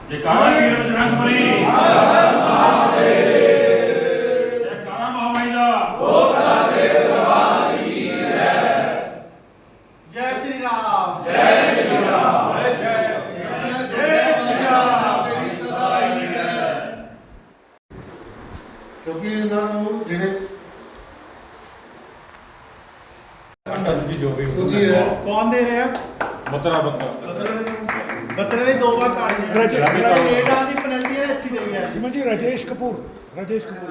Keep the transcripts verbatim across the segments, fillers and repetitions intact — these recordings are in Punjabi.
जयकारा वीर बजरंग बली, जयकारा महामाई दा। जय श्री राम, जय श्री राम, जय श्री राम। क्योंकि इन्होंने जिहड़े सूची है कौन दे रहे हैं? बतरा बतरा बतरे ने दो बार काट दिया। राजेश- रेट आदि पेनल्टी है अच्छी दी है। श्रीमान जी राजेश कपूर राजेश कपूर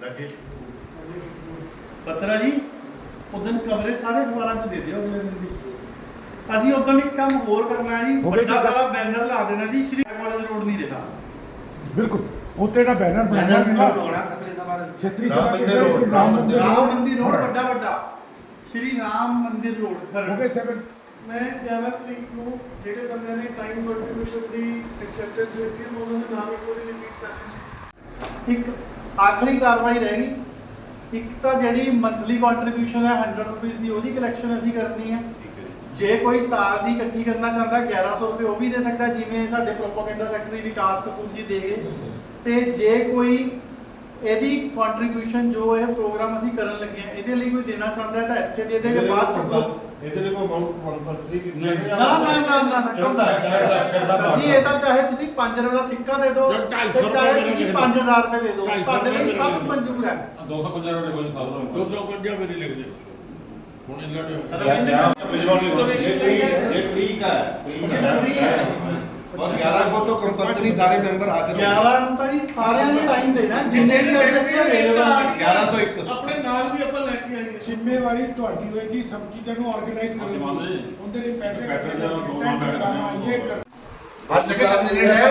बतरा जी उदन कवरेज सारे अखबारों च दे दियो अगले दिन दी। ਅਸੀਂ ਉਦੋਂ ਇੱਕ ਕੰਮ ਹੋਰ ਕਰਨਾ ਜੀ, ਹੋ ਗਿਆ ਜੀ ਵੱਡਾ ਸਰ। ਸਾਰਾ ਬੈਨਰ ਲਾ ਦੇਣਾ ਜੀ, ਸ਼੍ਰੀ ਕਾਲਜ ਰੋਡ ਨਹੀਂ ਰਿਹਾ। बिल्कुल उत्ते दा बैनर बनाना बैनर है होना खतरे सवार छतरी राम सभा के मंदिर रोड, राम मंदिर ਰਾਮ रोड ਮੰदिर ਰੋਡ ਵੱਡਾ ਵੱਡਾ ਸ਼੍ਰੀ ਰਾਮ ਮੰदिर ਰੋਡ हो ਖਰੜ। गए सेवन ਮੈਂ ਗਿਆਰਾਂ ਤਰੀਕ ਨੂੰ ਜਿਹੜੇ ਬੰਦਿਆਂ ਨੇ ਟਾਈਮ ਕੰਟਰੀਬਿਊਸ਼ਨ ਦੀ ਐਕਸੈਪਟੈਂਸ ਦਿੱਤੀ ਹੈ, ਮੈਂ ਉਹਨਾਂ ਦੇ ਨਾਮ ਇੱਕ ਵਾਰੀ ਰਿਪੀਟ ਕਰ ਦਿੱਤੀ। ਇੱਕ ਆਖਰੀ ਕਾਰਵਾਈ ਰਹਿ ਗਈ। ਇੱਕ ਤਾਂ ਜਿਹੜੀ ਮੰਥਲੀ ਕੰਟਰੀਬਿਊਸ਼ਨ ਹੈ ਸੌ ਰੁਪਏ ਦੀ, ਉਹਦੀ ਕਲੈਕਸ਼ਨ ਅਸੀਂ ਕਰਨੀ ਹੈ। ਜੇ ਕੋਈ ਸਾਲ ਦੀ ਇਕੱਠੀ ਕਰਨਾ ਚਾਹੁੰਦਾ ਗਿਆਰਾਂ ਸੌ ਰੁਪਏ ਉਹ ਵੀ ਦੇ ਸਕਦਾ, ਜਿਵੇਂ ਸਾਡੇ ਪ੍ਰੋਪਾਗੈਂਡਾ ਸੈਕਟਰੀ ਵਿਕਾਸ ਕਪੂਰ ਜੀ ਦੇ ਗਏ। ਤੇ ਜੇ ਕੋਈ ਇਹਦੀ ਕੰਟਰੀਬਿਊਸ਼ਨ ਜੋ ਇਹ ਪ੍ਰੋਗਰਾਮ ਅਸੀਂ ਕਰਨ ਲੱਗੇ ਹਾਂ ਇਹਦੇ ਲਈ ਕੋਈ ਦੇਣਾ ਚਾਹੁੰਦਾ ਹੈ ਤਾਂ ਇੱਥੇ ਦੇ ਦੇਗਾ, ਬਾਅਦ ਚ ਇਹਦੇ ਲਈ ਕੋਈ ਅਮਾਉਂਟ ਕੰਪਲਸਰੀ ਵੀ ਨਾ ਨਾ ਨਾ ਨਾ ਨਾ ਜੀ, ਇਹ ਤਾਂ ਚਾਹੇ ਤੁਸੀਂ ਪੰਜ ਰੁਪਏ ਦਾ ਸਿੱਕਾ ਦੇ ਦਿਓ ਤੇ ਚਾਹੇ ਤੁਸੀਂ ਪੰਜ ਹਜ਼ਾਰ ਰੁਪਏ ਦੇ ਦਿਓ, ਸਾਡੇ ਲਈ ਸਭ ਮਨਜ਼ੂਰ ਹੈ। दो सौ पंजा रुपये कोई साल दो सौ पंजा मेरी लिख दे ਹੁਣ ਇਹਨਾਂ ਨੇ ਇਹ ਠੀਕ ਹੈ ਬਸ ਗਿਆਰਾਂ ਕੋ ਤੋਂ ਕੰਪਲਸਰੀ ਸਾਰੇ ਮੈਂਬਰ ਹਾਜ਼ਰ ਹੋਣ। ਗਿਆਰਾਂ ਨੂੰ ਤਾਂ ਜੀ ਸਾਰਿਆਂ ਨੇ ਟਾਈਮ ਦੇਣਾ, ਜਿੰਨੇ ਵੀ ਰਜਿਸਟਰ ਦੇ ਦੇਣਾ। ਗਿਆਰਾਂ ਤੋਂ ਇੱਕ ਆਪਣੇ ਨਾਲ ਵੀ ਆਪਾਂ ਲੈ ਕੇ ਆਈਏ। ਜ਼ਿੰਮੇਵਾਰੀ ਤੁਹਾਡੀ ਹੋਏਗੀ ਸਭ ਚੀਜ਼ਾਂ ਨੂੰ ਆਰਗੇਨਾਈਜ਼ ਅਸੀਂ ਕਰਨੀ ਮੰਨਦੇ ਜੀ। ਉਹਦੇ ਲਈ ਪੈਟਰਨ ਪੈਟਰਨ ਜਦੋਂ ਦੋ ਪੈਟਰਨ ਪੈਟਰਨ ਕਰਨਾ, ਇਹ ਕਰ ਹਰ ਜਗ੍ਹਾ ਕੈਂਡੀਡੇਟ ਹੈ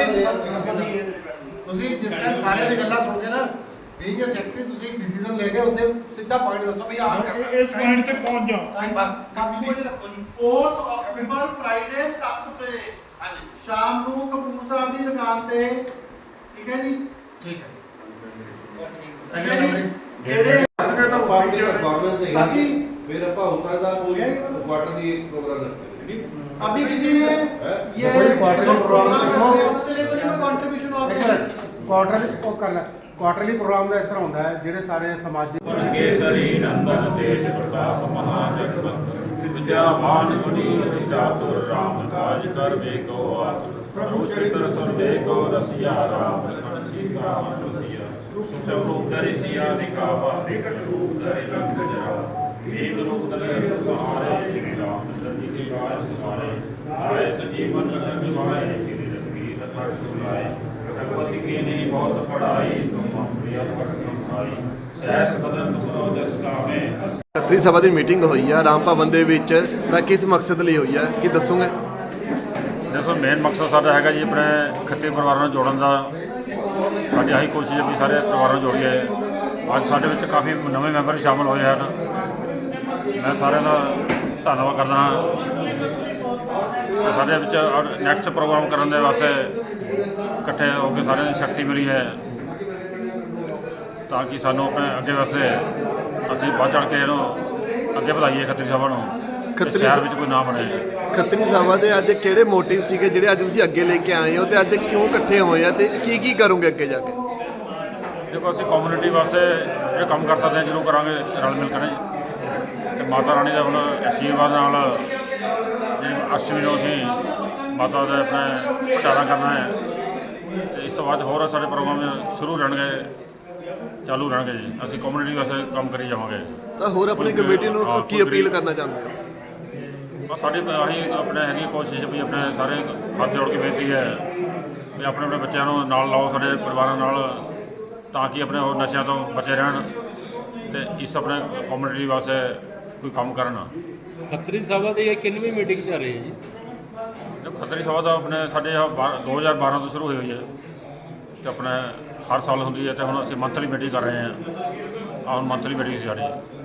ਤੁਸੀਂ ਜਿਸ ਟਾਈਮ ਸਾਰੇ ਦੀ ਗੱਲਾਂ ਸੁਣ ਕੇ ਨਾ ਬੀਇੰਗ ਅ ਸੈਕਟਰੀ ਤੁਸੀਂ ਡਿਸੀਜਨ ਲੈ ਕੇ ਉੱਥੇ ਸਿੱਧਾ ਪੁਆਇੰਟ ਦੱਸੋ ਵੀ ਆਹ ਕਰਨਾ ਇਸ ਪੁਆਇੰਟ ਤੇ ਪਹੁੰਚ ਜਾਓ। ਬਸ ਕਾਪੀ ਕੋਲ ਰੱਖੋ ਜੀ। ਚੌਥ ਅਕਤੂਬਰ ਫਰਾਈਡੇ ਸੱਤ ਵਜੇ ਹਾਂਜੀ ਸ਼ਾਮ ਨੂੰ ਕਪੂਰ ਸਾਹਿਬ ਦੀ ਦੁਕਾਨ ਤੇ, ਠੀਕ ਹੈ ਜੀ। ਠੀਕ ਹੈ ਠੀਕ ਹੈ ਜੀ। ਜਿਹੜੇ ਅਸੀਂ ਫਿਰ ਆਪਾਂ ਹੁੰਦਾ ਦਾ ਹੋ ਗਿਆ ਜੀ। ਕੁਆਟਰ ਦੀ ਪ੍ਰੋਗਰਾਮ ਰੱਖਦੇ अभी किसी ने ये कोई क्वार्टरली प्रोग्राम देखो। उसके लिए कोई कंट्रीब्यूशन और ਇੱਕ ਮਿੰਟ ਕੁਆਟਰਲੀ ਉਹ ਕਰ ਲੈ ਕੁਆਟਰਲੀ ਪ੍ਰੋਗਰਾਮ ਦਾ ਇਸ ਤਰ੍ਹਾਂ ਹੁੰਦਾ ਹੈ ਜਿਹੜੇ ਸਾਰੇ ਸਮਾਜਿਕ केसरी नंदन तेज प्रताप महाजगवंत विद्यावान गुणी चातुर राम काज कर को प्रभु चरित्र सुनबे को रसिया राम लखन सीता मन रसिया सुषम रूप धरि सिया निकावा विकट रूप धरि लंक जरा एक रूप धरि सहारे श्री रामचंद्र जी के गाय सहारे आए सजीवन लखन निभाए गिरि रघुवीर हर्ष सुनाए भगवती की नहीं बहुत पढ़ाई तुम हम प्रिय पट संसाई ਸੈਸ ਬਦਨ ਤੁਮਰੋ ਜਸ ਕਾਮੇ। ਖੱਤਰੀ ਸਭਾ ਦੀ ਮੀਟਿੰਗ ਹੋਈ ਹੈ ਰਾਮ ਭਵਨ ਦੇ ਵਿੱਚ, ਤਾਂ ਕਿਸ ਮਕਸਦ ਲਈ ਹੋਈ ਹੈ ਕੀ ਦੱਸੋਗੇ? ਦੇਖੋ ਮੇਨ ਮਕਸਦ ਸਾਡਾ ਹੈਗਾ ਜੀ ਆਪਣੇ ਖੱਤਰੀ ਪਰਿਵਾਰਾਂ ਨੂੰ ਜੋੜਨ ਦਾ। ਸਾਡੀ ਆਹੀ ਕੋਸ਼ਿਸ਼ ਹੈ ਵੀ ਸਾਰੇ ਪਰਿਵਾਰਾਂ ਨੂੰ ਜੋੜੀਏ। ਅੱਜ ਸਾਡੇ ਵਿੱਚ ਕਾਫੀ ਨਵੇਂ ਮੈਂਬਰ ਸ਼ਾਮਲ ਹੋਏ ਹਨ, ਮੈਂ ਸਾਰਿਆਂ ਦਾ ਧੰਨਵਾਦ ਕਰਦਾ ਹਾਂ। ਸਾਡੇ ਵਿੱਚ ਨੈਕਸਟ ਪ੍ਰੋਗਰਾਮ ਕਰਨ ਦੇ ਵਾਸਤੇ ਇਕੱਠੇ ਹੋ ਕੇ ਸਾਰਿਆਂ ਦੀ ਸ਼ਕਤੀ ਮਿਲੀ ਹੈ, ਤਾਂ ਕਿ ਸਾਨੂੰ ਆਪਣੇ ਅੱਗੇ ਵਾਸਤੇ ਅਸੀਂ ਵੱਧ ਚੜ੍ਹ ਕੇ ਇਹਨੂੰ ਅੱਗੇ ਵਧਾਈਏ ਖੱਤਰੀ ਸਭਾ ਨੂੰ, ਖੱਤਰੀ ਸ਼ਹਿਰ ਵਿੱਚ ਕੋਈ ਨਾਮ ਬਣੇ। ਖੱਤਰੀ ਸਭਾ ਦੇ ਅੱਜ ਕਿਹੜੇ ਮੋਟਿਵ ਸੀਗੇ ਜਿਹੜੇ ਅੱਜ ਤੁਸੀਂ ਅੱਗੇ ਲੈ ਕੇ ਆਏ ਹੋ, ਤੇ ਅੱਜ ਕਿਉਂ ਇਕੱਠੇ ਹੋਏ ਆ ਤੇ ਕੀ ਕੀ ਕਰੋਗੇ ਅੱਗੇ ਜਾ ਕੇ? ਦੇਖੋ ਅਸੀਂ ਕਮਿਊਨਿਟੀ ਵਾਸਤੇ ਜਿਹੜੇ ਕੰਮ ਕਰ ਸਕਦੇ ਹਾਂ ਜ਼ਰੂਰ ਕਰਾਂਗੇ ਰਲ ਮਿਲ ਕੇ ਨੇ। ਤੇ ਮਾਤਾ ਰਾਣੀ ਦਾ ਹੁਣ ਆਸ਼ੀਰਵਾਦ ਨਾਲ ਜਿਹੜੀ ਅਸ਼ਟਮੀ ਨੂੰ ਅਸੀਂ ਮਾਤਾ ਦਾ ਆਪਣੇ ਭੰਡਾਰਾ ਕਰਨਾ ਹੈ, ਤੇ ਇਸ ਤੋਂ ਬਾਅਦ ਹੋਰ ਸਾਡੇ ਪ੍ਰੋਗਰਾਮ ਸ਼ੁਰੂ ਰਹਿਣਗੇ, ਚਾਲੂ ਰਹਿਣਗੇ ਜੀ। ਅਸੀਂ ਕਮਿਊਨਿਟੀ ਵਾਸਤੇ ਕੰਮ ਕਰੀ ਜਾਵਾਂਗੇ। ਤਾਂ ਹੋਰ ਆਪਣੀ ਕਮੇਟੀ ਨੂੰ ਕੀ ਅਪੀਲ ਕਰਨਾ ਚਾਹੁੰਦੇ ਹੋ? ਬਸ ਸਾਡੀ ਆਹੀ ਆਪਣੇ ਹੈਗੀ ਕੋਸ਼ਿਸ਼ ਵੀ ਆਪਣੇ ਸਾਰੇ ਹੱਥ ਜੋੜ ਕੇ ਬੇਨਤੀ ਹੈ ਵੀ ਆਪਣੇ ਆਪਣੇ ਬੱਚਿਆਂ ਨੂੰ ਨਾਲ ਲਾਓ, ਸਾਡੇ ਪਰਿਵਾਰਾਂ ਨਾਲ, ਤਾਂ ਕਿ ਆਪਣੇ ਉਹ ਨਸ਼ਿਆਂ ਤੋਂ ਬਚੇ ਰਹਿਣ ਤੇ ਇਸ ਆਪਣੇ ਕਮਿਊਨਿਟੀ ਵਾਸਤੇ ਕੋਈ ਕੰਮ ਕਰਨ। ਖੱਤਰੀ ਸਭਾ ਦੀ ਇਹ ਕਿੰਨਵੀਂ ਮੀਟਿੰਗ ਚੱਲ ਰਹੀ ਹੈ ਜੀ? ਜੋ ਖੱਤਰੀ ਸਭਾ ਦਾ ਆਪਣੇ ਸਾਡੇ ਦੋ ਹਜ਼ਾਰ ਬਾਰਾਂ ਤੋਂ ਸ਼ੁਰੂ ਹੋਈ ਹੋਈ ਹੈ ਤੇ ਆਪਣੇ ਹਰ ਸਾਲ ਹੁੰਦੀ ਹੈ, ਤੇ ਹੁਣ ਅਸੀਂ ਮੰਥਲੀ ਮੀਟਿੰਗ ਕਰ ਰਹੇ ਹਾਂ। ਆਹ ਹੁਣ ਮੰਥਲੀ ਮੀਟਿੰਗ ਸੀ ਸਾਡੀ।